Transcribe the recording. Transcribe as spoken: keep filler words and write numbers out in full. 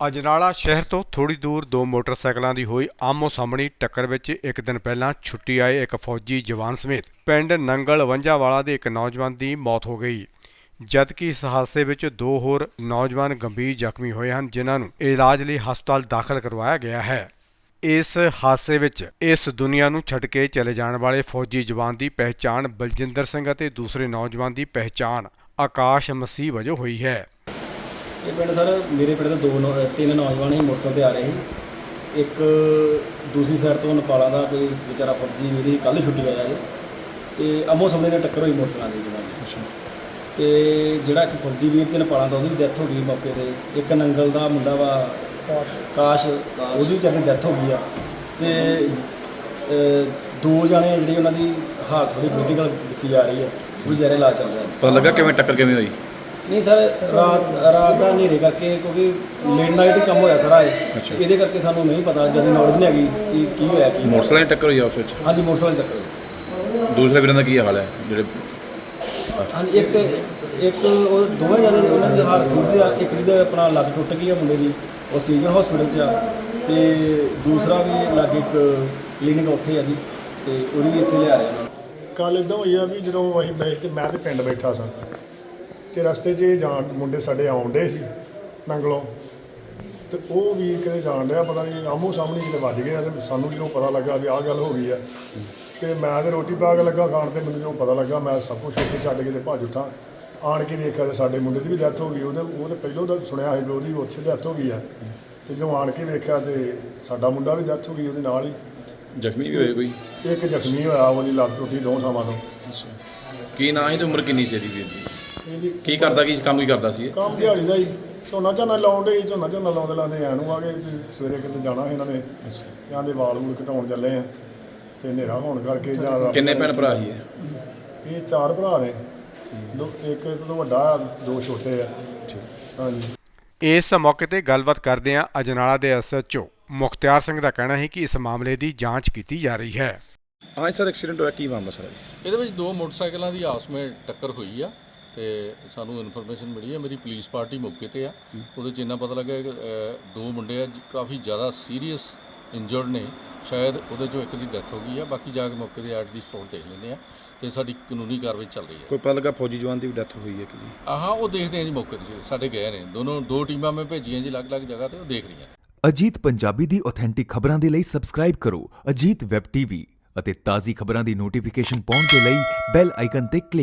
ਅਜਨਾਲਾ ਸ਼ਹਿਰ ਤੋਂ ਥੋੜੀ ਦੂਰ ਦੋ ਮੋਟਰਸਾਈਕਲਾਂ ਦੀ ਹੋਈ ਆਮੋ ਸਾਹਮਣੀ ਟੱਕਰ ਵਿੱਚ ਇੱਕ ਦਿਨ ਪਹਿਲਾਂ ਛੁੱਟੀ ਆਏ ਇੱਕ ਫੌਜੀ ਜਵਾਨ ਸਮੇਤ ਪਿੰਡ ਨੰਗਲ ਵੰਜਾਵਾਲਾ ਦੇ ਇੱਕ ਨੌਜਵਾਨ ਦੀ ਮੌਤ ਹੋ ਗਈ, ਜਦਕਿ ਇਸ ਹਾਦਸੇ ਵਿੱਚ ਦੋ ਹੋਰ ਨੌਜਵਾਨ ਗੰਭੀਰ ਜ਼ਖਮੀ ਹੋਏ ਹਨ, ਜਿਨ੍ਹਾਂ ਨੂੰ ਇਲਾਜ ਲਈ ਹਸਪਤਾਲ ਦਾਖਲ ਕਰਵਾਇਆ ਗਿਆ ਹੈ। ਇਸ ਹਾਦਸੇ ਵਿੱਚ ਇਸ ਦੁਨੀਆ ਨੂੰ ਛੱਡ ਕੇ ਚਲੇ ਜਾਣ ਵਾਲੇ ਫੌਜੀ ਜਵਾਨ ਦੀ ਪਹਿਚਾਣ ਬਲਜਿੰਦਰ ਸਿੰਘ ਅਤੇ ਦੂਸਰੇ ਨੌਜਵਾਨ ਦੀ ਪਹਿਚਾਣ ਆਕਾਸ਼ ਮਸੀਹ ਵਜੋਂ ਹੋਈ ਹੈ। ਇਹ ਪਿੰਡ ਸਰ ਮੇਰੇ ਪਿੰਡ ਦੇ ਦੋ ਤਿੰਨ ਨੌਜਵਾਨ ਹੀ ਮੋਟਰਸਾਈਕਲ 'ਤੇ ਆ ਰਹੇ ਸੀ। ਇੱਕ ਦੂਸਰੀ ਸਾਈਡ ਤੋਂ ਨੇਪਾਲਾਂ ਦਾ ਕੋਈ ਵਿਚਾਰਾ ਫੌਜੀ ਮੇਰੀ ਕੱਲ੍ਹ ਛੁੱਟੀ ਆਇਆ ਜੀ, ਅਤੇ ਆਮੋ ਸਾਹਮਣੇ ਨਾਲ ਟੱਕਰ ਹੋਈ ਮੋਟਰਸਾਈਕਲਾਂ ਦੀ ਜਵਾਨ। ਅਤੇ ਜਿਹੜਾ ਇੱਕ ਫੌਜੀ ਵੀਰ ਚ ਨੇਪਾਲਾਂ ਦਾ ਉਹਦੀ ਵੀ ਡੈਥ ਹੋ ਗਈ ਮੌਕੇ 'ਤੇ। ਇੱਕ ਨੰਗਲ ਦਾ ਮੁੰਡਾ ਵਾ ਕਾਸ਼ ਕਾਸ਼ ਉਹਦੀ ਵਿਚਾਰੀ ਦੀ ਡੈਥ ਹੋ ਗਈ ਆ। ਅਤੇ ਦੋ ਜਾਣੇ ਜਿਹੜੀ ਉਹਨਾਂ ਦੀ ਹਾਲਤ ਥੋੜ੍ਹੀ ਕ੍ਰਿਟੀਕਲ ਦੱਸੀ ਜਾ ਰਹੀ ਹੈ, ਉਹ ਵਿਚਾਰੇ ਇਲਾਜ ਚੱਲ ਰਿਹਾ। ਪਤਾ ਲੱਗਾ ਕਿਵੇਂ ਟੱਕਰ ਕਿਵੇਂ ਹੋਈ? ਨਹੀਂ ਸਰ, ਰਾਤ ਰਾਤ ਦਾ ਹਨੇਰੇ ਕਰਕੇ, ਕਿਉਂਕਿ ਲੇਟ ਨਾਈਟ ਹੀ ਕੰਮ ਹੋਇਆ ਸਾਰਾ ਇਹ, ਇਹਦੇ ਕਰਕੇ ਸਾਨੂੰ ਨਹੀਂ ਪਤਾ, ਜਦ ਨੌਲੇਜ ਨਹੀਂ ਹੈਗੀ ਕਿ ਕੀ ਹੋਇਆ ਕੀ। ਮੋਟਰਸਾਈਕਲ ਟੱਕਰ ਹੋਈ ਉਸ ਵਿੱਚ? ਹਾਂਜੀ, ਮੋਟਰਸਾਈਕਲ ਚੱਕਰ ਹੋਈ। ਦੂਸਰੇ ਵੀਰਾਂ ਦਾ ਕੀ ਹਾਲ ਹੈ ਜਿਹੜੇ? ਹਾਂਜੀ, ਇੱਕ ਇੱਕ ਉਹ ਦੋਵੇਂ ਜਣੇ ਉਹਨਾਂ ਦੀ ਹਾਲਤ ਸੀਰੀਅਸ ਆ। ਇੱਕ ਜਿਹਦਾ ਆਪਣਾ ਲੱਤ ਟੁੱਟ ਗਈ ਆ ਮੁੰਡੇ ਦੀ, ਉਹ ਸੀਜ਼ਨ ਹਸਪੀਟਲ 'ਚ ਆ, ਅਤੇ ਦੂਸਰਾ ਵੀ ਲਾਗੇ ਇੱਕ ਕਲੀਨਿਕ ਉੱਥੇ ਆ ਜੀ, ਅਤੇ ਉਹਨੂੰ ਵੀ ਇੱਥੇ ਲਿਆ ਰਹੇ ਉਹਨਾਂ ਨੂੰ। ਕੱਲ੍ਹ ਇੱਦਾਂ ਹੋਈ ਆ ਵੀ ਜਦੋਂ ਅਸੀਂ ਬੈਠ ਤੇ ਮੈਂ ਤੇ ਪਿੰਡ ਬੈਠਾ ਸਾਂ, ਅਤੇ ਰਸਤੇ 'ਚ ਜਾਣ ਮੁੰਡੇ ਸਾਡੇ ਆਉਣ ਡੇ ਸੀ ਨੰਗਲੋਂ, ਅਤੇ ਉਹ ਵੀਰ ਕਿਤੇ ਜਾਣ ਡਿਆ, ਪਤਾ ਨਹੀਂ ਆਮੋ ਸਾਹਮਣੇ ਕਿਤੇ ਵੱਜ ਗਏ। ਅਤੇ ਸਾਨੂੰ ਜਦੋਂ ਪਤਾ ਲੱਗਾ ਵੀ ਆਹ ਗੱਲ ਹੋ ਗਈ ਆ, ਅਤੇ ਮੈਂ ਤਾਂ ਰੋਟੀ ਪਾ ਕੇ ਲੱਗਾ ਖਾਣ, ਅਤੇ ਮੈਨੂੰ ਜਦੋਂ ਪਤਾ ਲੱਗਾ ਮੈਂ ਸਭ ਕੁਛ ਉੱਥੇ ਛੱਡ ਕੇ ਤੇ ਭੱਜ ਉੱਠਾਂ। ਆਣ ਕੇ ਵੇਖਿਆ ਤਾਂ ਸਾਡੇ ਮੁੰਡੇ ਦੀ ਵੀ ਡੈਥ ਹੋ ਗਈ। ਉਹਦੇ ਉਹ ਤਾਂ ਪਹਿਲੋਂ ਤਾਂ ਸੁਣਿਆ ਸੀ ਵੀ ਉਹਦੀ ਉੱਥੇ ਡੈਥ ਹੋ ਗਈ ਆ, ਅਤੇ ਜਦੋਂ ਆਣ ਕੇ ਵੇਖਿਆ ਤਾਂ ਸਾਡਾ ਮੁੰਡਾ ਵੀ ਡੈਥ ਹੋ ਗਈ ਉਹਦੇ ਨਾਲ ਹੀ। ਜ਼ਖਮੀ ਵੀ ਹੋਏ ਕੋਈ? ਇੱਕ ਜ਼ਖਮੀ ਹੋਇਆ, ਉਹਦੀ ਲੱਤ ਟੁੱਟੀ ਦੋ ਥਾਵਾਂ ਤੋਂ। ਕੀ ਨਾਂ ਸੀ ਤੇ ਉਮਰ ਕਿੰਨੀ ਸੀ ਇਹਦੀ ਵੀਰ ਦੀ? ਇਹਦੀ ਕੀ ਕਰਦਾ, ਕੀ ਕੰਮ ਕੀ ਕਰਦਾ ਸੀ ਇਹ? ਕੰਮ ਦਿਹਾੜੀ ਦਾ ਹੀ, ਝੋਨਾ ਝੋਨਾ ਲਾਉਣ ਡੇ ਝੋਨਾ ਝੋਨਾ ਲਾਉਂਦੇ ਲਾਉਂਦੇ ਐਂ ਨੂੰ ਆ ਗਏ ਵੀ ਸਵੇਰੇ ਕਿਤੇ ਜਾਣਾ ਸੀ ਇਹਨਾਂ ਨੇ, ਇਹਨਾਂ ਦੇ ਵਾਲ ਵੂਲ ਘਟਾਉਣ ਚੱਲੇ ਆ, ਅਤੇ ਹਨੇਰਾ ਹੋਣ ਕਰਕੇ ਜਾਂ ਕਿੰਨੇ ਭੈਣ ਭਰਾ ਸੀ ਇਹ? ਇਹ ਚਾਰ ਭਰਾ ਨੇ, ਦੋ ਇੱਕ ਤੋਂ ਵੱਡਾ, ਦੋ ਛੋਟੇ ਆ। ਹਾਂਜੀ। ਇਸ ਮੌਕੇ ਤੇ ਗੱਲਬਾਤ ਕਰਦਿਆਂ ਅਜਨਾਲਾ ਦੇ S H O Mukhtiar Singh ਦਾ ਕਹਿਣਾ ਹੈ ਕਿ ਇਸ ਮਾਮਲੇ ਦੀ ਜਾਂਚ ਕੀਤੀ ਜਾ ਰਹੀ ਹੈ। ਹਾਂ ਸਰ, ਐਕਸੀਡੈਂਟ ਹੋਇਆ, ਕੀ ਮਾਮਲਾ ਸਰ? ਇਹਦੇ ਵਿੱਚ ਦੋ ਮੋਟਰਸਾਈਕਲਾਂ ਦੀ ਆਪਸ ਵਿੱਚ ਟੱਕਰ ਹੋਈ ਆ, ਤੇ ਸਾਨੂੰ ਇਨਫੋਰਮੇਸ਼ਨ ਮਿਲੀ ਹੈ। ਮੇਰੀ ਪੁਲਿਸ ਪਾਰਟੀ ਮੌਕੇ 'ਤੇ ਆ। ਉਹਦੇ 'ਚ ਇੰਨਾ ਪਤਾ ਲੱਗਾ ਕਿ ਦੋ ਮੁੰਡੇ ਆ ਕਾਫੀ ਜ਼ਿਆਦਾ ਸੀਰੀਅਸ ਇੰਜਰਡ ਨੇ, ਸ਼ਾਇਦ ਉਹਦੇ 'ਚੋਂ ਇੱਕ ਦੀ ਡੈਥ ਹੋ ਗਈ ਆ। ਬਾਕੀ ਜਾ ਕੇ ਮੌਕੇ 'ਤੇ ਐਟ ਦੀ ਸਪੌਟ ਦੇਖ ਲੈਂਦੇ ਆ, ਅਤੇ ਸਾਡੀ ਕਾਨੂੰਨੀ ਕਾਰਵਾਈ ਚੱਲ ਰਹੀ ਹੈ। ਕੋਈ ਪਤਾ ਲੱਗਾ ਫੌਜੀ ਜਵਾਨ ਦੀ ਵੀ ਡੈਥ ਹੋਈ ਹੈ ਕਿ ਜੀ? ਹਾਂ, ਉਹ ਦੇਖਦੇ ਆ ਜੀ, ਮੌਕੇ 'ਤੇ ਸਾਡੇ ਗਏ ਨੇ ਦੋਨੋਂ, ਦੋ ਟੀਮਾਂ ਮੈਂ ਭੇਜੀਆਂ ਜੀ ਅਲੱਗ-ਅਲੱਗ ਜਗ੍ਹਾ 'ਤੇ, ਉਹ ਦੇਖ ਰਹੀਆਂ। ਅਜੀਤ ਪੰਜਾਬੀ ਦੀ ਆਥੈਂਟਿਕ ਖਬਰਾਂ ਦੇ ਲਈ ਸਬਸਕ੍ਰਾਈਬ ਕਰੋ ਅਜੀਤ ਵੈਬ ਟੀਵੀ ਅਤੇ ਤਾਜ਼ੀ ਖਬਰਾਂ ਦੀ ਨੋਟੀਫਿਕੇਸ਼ਨ ਪਾਉਣ ਦੇ ਲਈ ਬੈਲ ਆਈਕਨ ਤੇ ਕਲਿੱਕ